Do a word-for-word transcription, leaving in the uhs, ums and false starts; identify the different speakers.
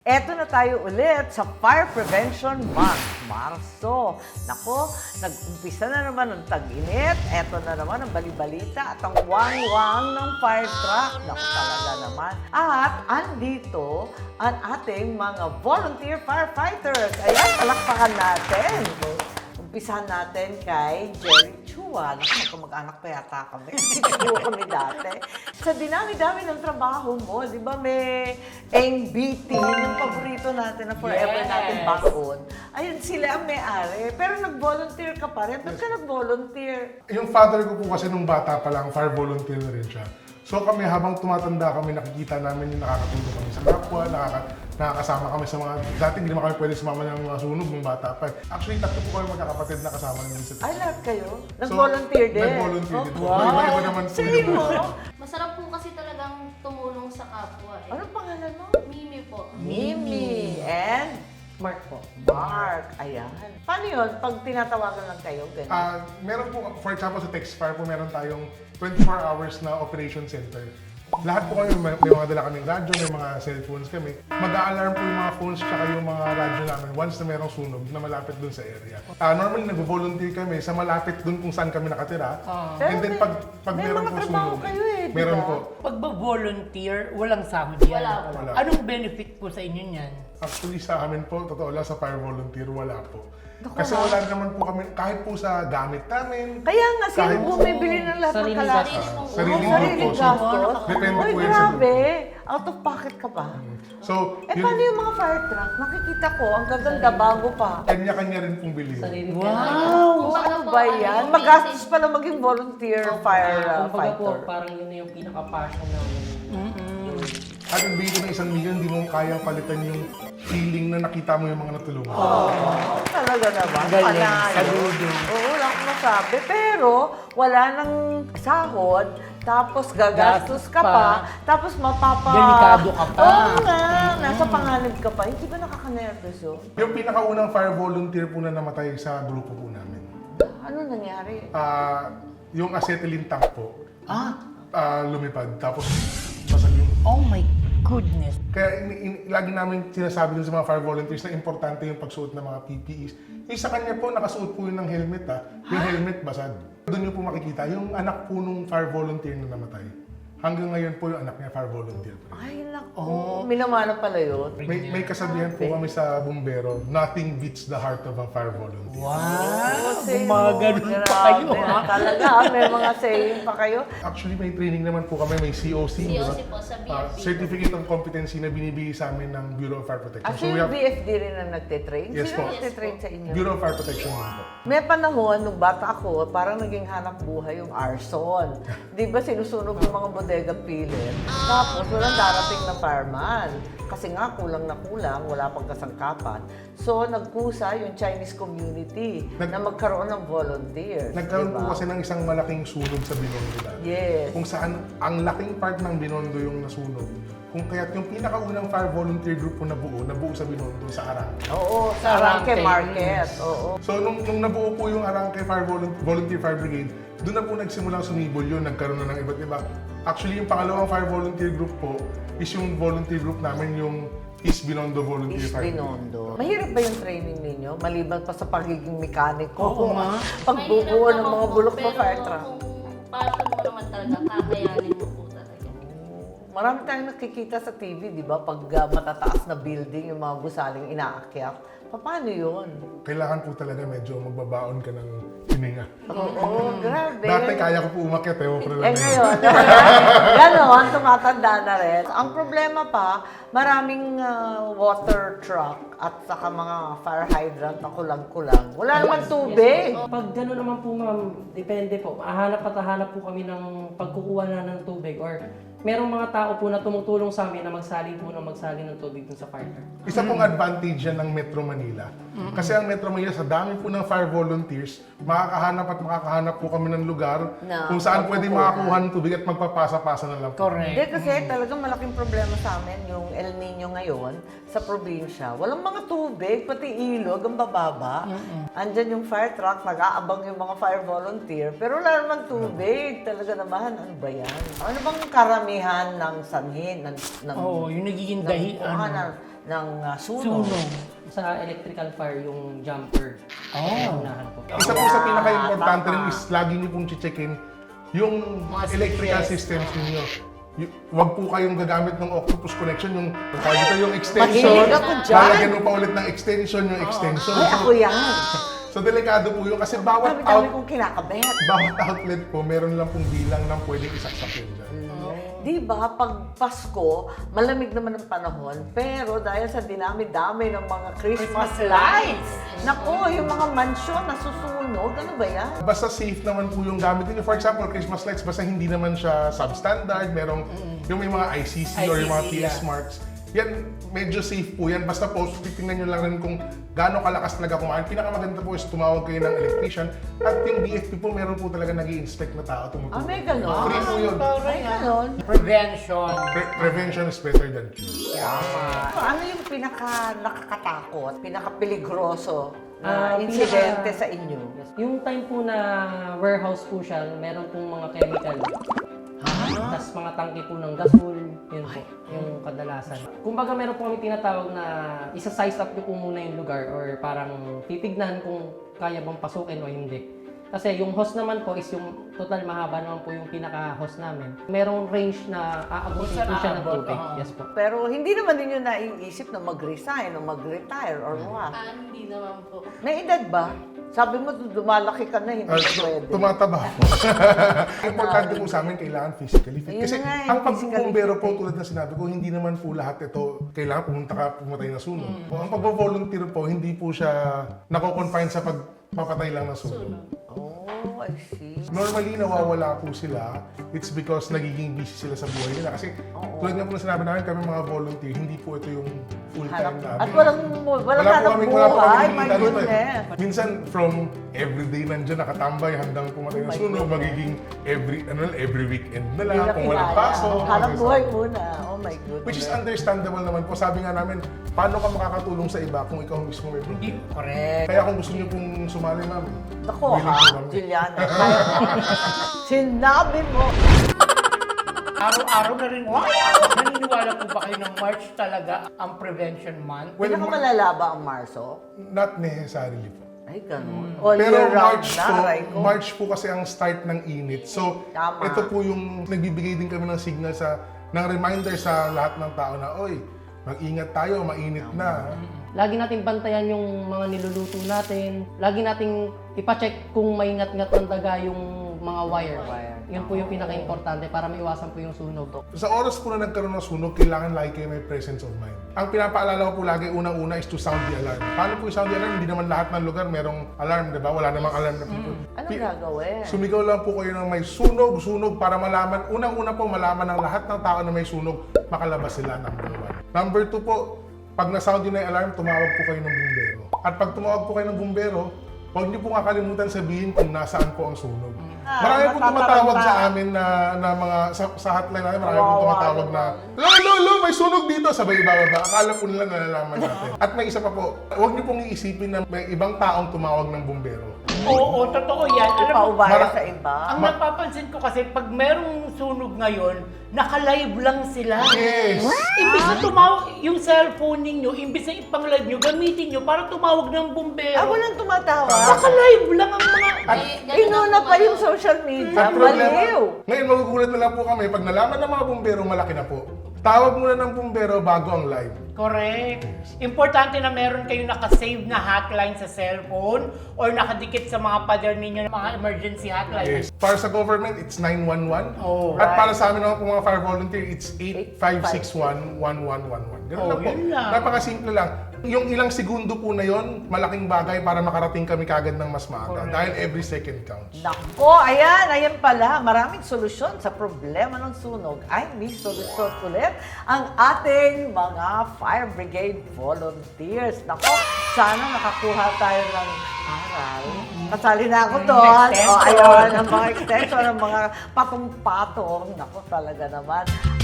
Speaker 1: Eto na tayo ulit sa Fire Prevention Month, Marso. Nako, nag-umpisa na naman ang tag-init. Eto na naman ang balibalita at ang wang-wang ng fire truck. Nako, talaga naman. At andito ang ating mga volunteer firefighters. Ayan, palakpakan natin. Umpisahan natin kay Jerry Chua. Naku, mag-anak pa yata kami. Siguro kami dati. Sa dinami-dami ng trabaho mo, di ba may Eng B T, yung paborito natin na forever
Speaker 2: Yes.
Speaker 1: natin baon. Ayun, sila ang may-ari. Pero nag-volunteer ka pa rin. Ba't ka nag-volunteer?
Speaker 3: Yung father ko po kasi nung bata pa lang, fire volunteer na rin siya. So kami habang tumatanda kami, nakikita namin yung nakakatulong kami sa kapwa, nakaka nakakasama kami sa mga, dati hindi naman kami pwede sumama ng mga sunog nung bata pa. Actually, tatlo po kami magkakapatid na kasama namin sa
Speaker 1: Ay, lahat kayo? Nag-volunteer din?
Speaker 3: Nag-volunteer din.
Speaker 1: Oh,
Speaker 3: Wow. Iba-iba naman po
Speaker 1: Sino?
Speaker 3: yung
Speaker 2: Masarap po kasi talagang tumulong sa kapwa eh.
Speaker 1: Anong pangalan mo?
Speaker 2: Mimi po.
Speaker 1: Mimi. And?
Speaker 4: Mark po.
Speaker 1: Mark. Ayan. Paano yun? Pag tinatawagan lang kayo, ganyan?
Speaker 3: Ah, meron po, for example, sa Textfire po, meron tayong twenty-four hours na operation center. Lahat po kami, may, may mga dala kaming radyo, may mga cellphones kami. Mag-a-alarm po yung mga phones tsaka yung mga radyo namin once na merong sunog na malapit dun sa area. Ah, normally, nag-volunteer kami sa malapit dun kung saan kami nakatira.
Speaker 1: Pero
Speaker 3: And then
Speaker 1: may-
Speaker 3: pag, pag
Speaker 1: may
Speaker 3: meron
Speaker 1: mga
Speaker 3: po
Speaker 1: trabaho
Speaker 3: sunog,
Speaker 1: kayo eh, di
Speaker 3: meron
Speaker 1: ba?
Speaker 3: po.
Speaker 4: Pag ba-volunteer, walang sahod yan.
Speaker 2: Wala po.
Speaker 3: Wala.
Speaker 4: Anong benefit po sa inyo niyan?
Speaker 3: Actually, sa amin po, totoo lang, sa fire volunteer, wala po.
Speaker 1: Naku,
Speaker 3: Kasi
Speaker 1: ha?
Speaker 3: wala naman po kami, kahit po sa gamit namin,
Speaker 1: Kaya nga, sino
Speaker 3: Kahit-
Speaker 1: bumibili ng lahat ng
Speaker 4: Sarili
Speaker 1: kalakal?
Speaker 2: Sarili pong
Speaker 3: Ah, sariling
Speaker 1: Oh, sariling
Speaker 3: grupo. So,
Speaker 1: gastos?
Speaker 3: depende
Speaker 1: Uy,
Speaker 3: po yan sa
Speaker 1: grabe. Out of pocket ka pa.
Speaker 3: so,
Speaker 1: Eh,
Speaker 3: yun,
Speaker 1: paano yung mga fire truck? Nakikita ko, ang gaganda, bago pa.
Speaker 3: kanya-kanya rin pong bilhin.
Speaker 4: Wow!
Speaker 2: Kumbaga
Speaker 1: Ano
Speaker 2: po,
Speaker 1: ba
Speaker 2: ano
Speaker 1: yan?
Speaker 2: yung
Speaker 1: Magastos
Speaker 2: basic-
Speaker 1: pala maging volunteer fire uh,
Speaker 5: Kumbaga po,
Speaker 1: fighter.
Speaker 5: parang yun na yung pinaka-passion namin.
Speaker 3: At ang bigay ng isang milyon, hindi mo kayang palitan yung feeling na nakita mo yung mga natulungan.
Speaker 1: Talaga naman.
Speaker 4: Galing,
Speaker 1: Panalo.
Speaker 4: saludo.
Speaker 1: Oo, wala akong masabi. Pero, wala nang sahod, tapos gagastos ka pa,
Speaker 4: pa.
Speaker 1: tapos mapapa...
Speaker 4: Delikado ka pa.
Speaker 1: Oo nga, nasa panganib ka pa. Hindi ba nakaka-nervous yun?
Speaker 3: Yung pinakaunang fire volunteer po na namatay sa grupo po namin.
Speaker 1: Ano nangyari?
Speaker 3: Ah, yung acetylene tank po,
Speaker 4: Ah,
Speaker 3: ah, lumipad. Tapos, basag yung...
Speaker 4: oh my goodness.
Speaker 3: Kaya in, in, lagi namin sinasabi dun sa mga fire volunteers na importante yung pagsuot ng mga P P Es. Yung sa kanya po, nakasuot po yun ng helmet ha. Yung helmet basag. Doon nyo po makikita, yung anak po nung fire volunteer na namatay. Hanggang ngayon po yung anak niya fire volunteer po.
Speaker 1: Ay, naku. Minamana pala yun.
Speaker 3: May, may kasabihan po kami sa bumbero, nothing beats the heart of a fire volunteer.
Speaker 4: Wow!
Speaker 1: Say
Speaker 4: Gumaganon
Speaker 1: mo,
Speaker 4: pa kayo,
Speaker 1: grabe,
Speaker 4: ha?
Speaker 1: Talaga, may mga saying pa kayo.
Speaker 3: Actually, may training naman po kami, may C O C.
Speaker 2: C O C
Speaker 3: diba?
Speaker 2: po, sa B F
Speaker 3: Ah,
Speaker 2: D.
Speaker 3: Certificate of Competency na binibigay sa amin ng Bureau of Fire Protection.
Speaker 1: Actually,
Speaker 3: we have
Speaker 1: B F D rin ang nagtitrain.
Speaker 3: Yes
Speaker 1: Sino
Speaker 3: po.
Speaker 1: nagtitrain sa inyo?
Speaker 3: Bureau of Fire Protection din po.
Speaker 1: May panahon, nung bata ako, parang naging hanap buhay yung arson. Di ba sinusunog yung mga bodega pilit? Tapos walang darating na fireman. Kasi nga, kulang na kulang, wala pang kasangkapan. So, nagkusa yung Chinese community
Speaker 3: Nag-
Speaker 1: na magkaroon ng volunteers.
Speaker 3: Nagkaroon
Speaker 1: diba?
Speaker 3: po kasi ng isang malaking sunog sa Binondo dati.
Speaker 1: Yes.
Speaker 3: Kung saan ang laking part ng Binondo yung nasunog. Kung kaya't yung pinakaunang fire volunteer group po nabuo, nabuo sa Binondo, sa Arangke.
Speaker 1: Oo, sa
Speaker 4: Arangke.
Speaker 1: Arangke Market. Oo.
Speaker 3: So nung, nung nabuo po yung Arangke Fire Volun- Volunteer Fire Brigade, doon na po nagsimulang sumibol yun, nagkaroon na ng iba't iba. Actually, yung pangalawang fire volunteer group po is yung volunteer group namin, yung East Binondo Volunteer
Speaker 1: East
Speaker 3: Fire Brigade.
Speaker 1: Binondo. Mahirap ba yung training ninyo? Maliban pa sa pagiging mekaniko.
Speaker 4: Oo nga.
Speaker 1: Pagbubuo ng mga
Speaker 2: Mahirap
Speaker 1: bulok
Speaker 2: naman
Speaker 1: na
Speaker 2: po,
Speaker 1: fire truck.
Speaker 2: Pero kung passion mo naman talaga, kakayanin mo po talaga.
Speaker 1: Marami tayong nakikita sa T V, di ba? Pag uh, matataas na building, yung mga gusaling inaakyat. Paano yun?
Speaker 3: Kailangan po talaga medyo magbabaon ka ng hininga.
Speaker 1: Oo, grabe.
Speaker 3: Dati kaya ko po umakyat, eh, pero
Speaker 1: Eh
Speaker 3: lang
Speaker 1: ngayon, gano'n, tumatanda na rin. Ang problema pa, maraming uh, water truck at saka mga fire hydrant na kulang-kulang. Wala naman tubig.
Speaker 5: Pag gano'n naman po ma'am, depende po. Hahanap at hahanap po kami ng pagkukuha na ng tubig or merong mga tao po na tumutulong sa amin na magsalin po na magsalin ng tubig dun sa fire truck.
Speaker 3: Isa pong advantage yan ng Metro Manila. Kasi ang Metro Manila, sa dami po ng fire volunteers, makakahanap at makakahanap po kami ng lugar
Speaker 1: Na
Speaker 3: kung saan pwede
Speaker 1: magkukuha.
Speaker 3: makakuha ng tubig at magpapasa-pasa na lang po.
Speaker 1: Hindi kasi talagang malaking problema sa amin yung El Nino ngayon sa probinsya. Walang mga tubig, pati ilog, ang bababa. Andyan yung fire truck, nag-aabang yung mga fire volunteer, pero wala naman tubig. Talaga naman, ano ba yan? Ano bang karamihan ng sanhin? Ng, ng,
Speaker 4: Oo, yung nagiging
Speaker 1: ng
Speaker 4: dahi,
Speaker 1: kuhanan?
Speaker 4: ano.
Speaker 1: ng uh, sunog.
Speaker 4: Sunog.
Speaker 5: Sa electrical fire, yung jumper.
Speaker 4: Oh.
Speaker 5: Yung unahan po.
Speaker 3: Isa po sa
Speaker 1: Yeah,
Speaker 3: pinaka-importante
Speaker 1: tama.
Speaker 3: rin is lagi niyo pong checkin yung
Speaker 4: Mga
Speaker 3: electrical
Speaker 4: switches.
Speaker 3: systems ninyo. Y- Huwag po kayong gagamit ng octopus connection, yung kahit ito yung extension,
Speaker 1: Mahilig ako dyan.
Speaker 3: lalagyan mo pa ulit ng extension yung extension.
Speaker 1: Ay, ako yan.
Speaker 3: So, delikado po yun kasi bawat
Speaker 1: Dami-dami
Speaker 3: out,
Speaker 1: kong kinakabit.
Speaker 3: bawat outlet po, meron lang pong bilang ng pwedeng isaksak yun dyan.
Speaker 1: Di ba, pag Pasko, malamig naman ang panahon, pero dahil sa dinami-dami ng mga Christmas,
Speaker 4: Christmas
Speaker 1: lights, nako, yung mga mansyon nasusunog, ano ba yan?
Speaker 3: Basta safe naman po yung gamit niyo. For example, Christmas lights, basta hindi naman siya substandard, merong yung may mga I C C, or yung mga
Speaker 4: I C C,
Speaker 3: T S
Speaker 4: yeah.
Speaker 3: marks. Yan, medyo safe po yan. Basta po, titingnan nyo lang rin kung gaano kalakas talaga kumain. Pinakamaganda po is tumawag kayo ng electrician. At yung B F P po, meron po talaga nag-i-inspect na tao tumutulong.
Speaker 1: Ah, may ganon?
Speaker 3: Free po yun.
Speaker 1: Ay, ganon.
Speaker 4: Prevention.
Speaker 3: Pre- prevention is better than cure.
Speaker 1: So, ano yung pinaka nakakatakot, pinaka-peligroso na
Speaker 5: Ah,
Speaker 1: insidente
Speaker 5: pinaka-
Speaker 1: sa inyo?
Speaker 5: Yung time po na warehouse po siya, meron pong mga chemical. Tapos mga tangke po ng gasol, yun po, yung kadalasan. Kumbaga meron po kami tinatawag na isa-size up nyo po muna yung lugar or parang titignan kung kaya bang pasukin o hindi. Kasi yung hose naman po is yung total mahaba naman po yung pinaka-hose namin. Merong range na aabutin
Speaker 4: Kung
Speaker 5: po
Speaker 4: saan
Speaker 5: siya ng
Speaker 4: aabot,
Speaker 5: tubig.
Speaker 4: oo.
Speaker 5: Yes po.
Speaker 1: Pero hindi naman ninyo naiisip na mag-resign o mag-retire or what?
Speaker 2: Ah, hindi naman po.
Speaker 1: May edad ba? Sabi mo, dumalaki ka na, hindi
Speaker 3: Uh,
Speaker 1: na pwede.
Speaker 3: tumataba po. Importante po sa amin, kailangan physically fit.
Speaker 1: Ayun
Speaker 3: Kasi
Speaker 1: na nga,
Speaker 3: ang
Speaker 1: yung
Speaker 3: pagbubumbero
Speaker 1: physically
Speaker 3: po,
Speaker 1: fit.
Speaker 3: tulad na sinabi ko, hindi naman po lahat ito kailangan pumunta ka, pumatay na sunog. Ang pagbo-volunteer po, hindi po siya nako-confine sa pagpapatay lang ng sunog.
Speaker 1: Oh, I see.
Speaker 3: Normally, nawawala po sila. It's because nagiging busy sila sa buhay nila. Kasi tulad nga po na sinabi namin, kami mga volunteer, hindi po ito yung full-time
Speaker 1: Hanap-
Speaker 3: namin.
Speaker 1: At walang, walang
Speaker 3: Wala po
Speaker 1: hanap
Speaker 3: kaming- wala po
Speaker 1: buhay,
Speaker 3: kaming
Speaker 1: my
Speaker 3: kita dito eh.
Speaker 1: goodness.
Speaker 3: Minsan, from everyday nandyan nakatambay hanggang pumatay
Speaker 1: Oh
Speaker 3: na
Speaker 1: my
Speaker 3: sunog,
Speaker 1: goodness.
Speaker 3: magiging every, ano, every weekend na lang,
Speaker 1: Hindi na
Speaker 3: kung walang
Speaker 1: kinaya.
Speaker 3: pasok.
Speaker 1: Hanap
Speaker 3: kasi-
Speaker 1: buhay muna. Oh my goodness.
Speaker 3: Which is understandable naman po. Sabi nga namin, paano ka makakatulong sa iba kung ikaw mismo may
Speaker 4: Hindi,
Speaker 3: problema?
Speaker 4: correct.
Speaker 3: Kaya kung gusto niyo pong sumali, ma'am,
Speaker 1: Nako
Speaker 3: willing
Speaker 1: ha,
Speaker 3: po kami.
Speaker 1: Juliana. Kaya mo. Sinabi mo.
Speaker 4: Araw-araw na rin. Wow! Naniniwala po ba kayo ng March talaga ang Prevention Month?
Speaker 3: Well,
Speaker 1: Pinakamalala ba ang Marso?
Speaker 3: not necessarily po.
Speaker 1: Ay, ganun. All
Speaker 3: Pero
Speaker 1: year round
Speaker 3: March
Speaker 1: na,
Speaker 3: po,
Speaker 1: aray ko.
Speaker 3: March po kasi ang start ng init. So,
Speaker 1: Tama.
Speaker 3: ito po yung nagbibigay din kami ng signal sa, ng reminder sa lahat ng tao na, oy, mag-ingat tayo, mainit na.
Speaker 5: Lagi nating bantayan yung mga niluluto natin. Lagi nating ipacheck kung may ngat-ngat ng daga yung mga wire. Yun po yung pinaka-importante para maiwasan po yung sunog.
Speaker 3: Sa oras po na nagkaroon ng sunog, kailangan lagi kayo may presence of mind. Ang pinapaalala ko po lagi, unang-una is to sound the alarm. Paano po yung sound the alarm? Hindi naman lahat ng lugar merong alarm, di ba? Wala namang alarm na people.
Speaker 1: Anong
Speaker 3: Pi-
Speaker 1: gagawin?
Speaker 3: Sumigaw lang po kayo ng may sunog, sunog para malaman, unang-una po malaman ng lahat ng tao na may sunog, makalabas sila, number one. Number two po, pag na-sound yun na yung alarm, tumawag po kayo ng bumbero. At pag tumawag po kayo ng bumbero, huwag niyo pong kakalimutan sabihin kung nasaan po ang sunog.
Speaker 1: Ah,
Speaker 3: Marami pong tumatawag
Speaker 1: matataranta.
Speaker 3: sa amin na, na mga, sa, sa hotline natin, marami pong
Speaker 1: Kawawa
Speaker 3: tumatawag na, Lo, lo, lo, may sunog dito! Sabay ibababa. Akala po nila nalalaman natin. At may isa pa po, huwag niyo pong iisipin na may ibang taong tumawag ng bumbero.
Speaker 4: Oo, totoo yan. Alam mo,
Speaker 1: Paubaya
Speaker 3: Mara-
Speaker 1: sa iba.
Speaker 4: ang napapansin ko kasi pag merong sunog ngayon, naka-live lang sila.
Speaker 3: Yes!
Speaker 4: Imbis na tumawag, yung cellphone ninyo, imbis na ipang-live nyo, gamitin nyo para tumawag ng bumbero.
Speaker 1: Ah, walang tumatawa.
Speaker 4: Naka-live lang ang mga...
Speaker 2: Ay, ganun
Speaker 1: Inuna
Speaker 2: ang
Speaker 1: pa yung
Speaker 2: ano.
Speaker 1: social media.
Speaker 3: Ang problema,
Speaker 1: Baliw.
Speaker 3: ngayon magugulat na lang po kami, pag nalaman ng mga bumbero, malaki na po. Tawag muna ng bumbero bago ang live.
Speaker 4: Correct. Importante na meron kayong nakasave na hotline sa cellphone or nakadikit sa mga pader ninyo ng mga emergency hotline.
Speaker 3: Yes. Para sa government, it's nine one one.
Speaker 4: Oh,
Speaker 3: At
Speaker 1: right.
Speaker 3: para sa amin naman po mga fire volunteer, it's eight five six one, one one one one. Ganun
Speaker 4: Oh,
Speaker 3: lang po.
Speaker 4: yun lang.
Speaker 3: Napakasimple lang. Yung ilang segundo po na yon, malaking bagay para makarating kami kagad ng mas maaga. Dahil every second counts.
Speaker 1: Nako, ayan, ayan pala. Maraming solusyon sa problema ng sunog. Ay, may solusyon ulit ang ating mga fire brigade volunteers. Nako, sana nakakuha tayo ng aral. Kasali na ako doon. O,
Speaker 4: extension.
Speaker 1: ayun, ang mga extension, ang mga patong-patong. Nako, talaga naman.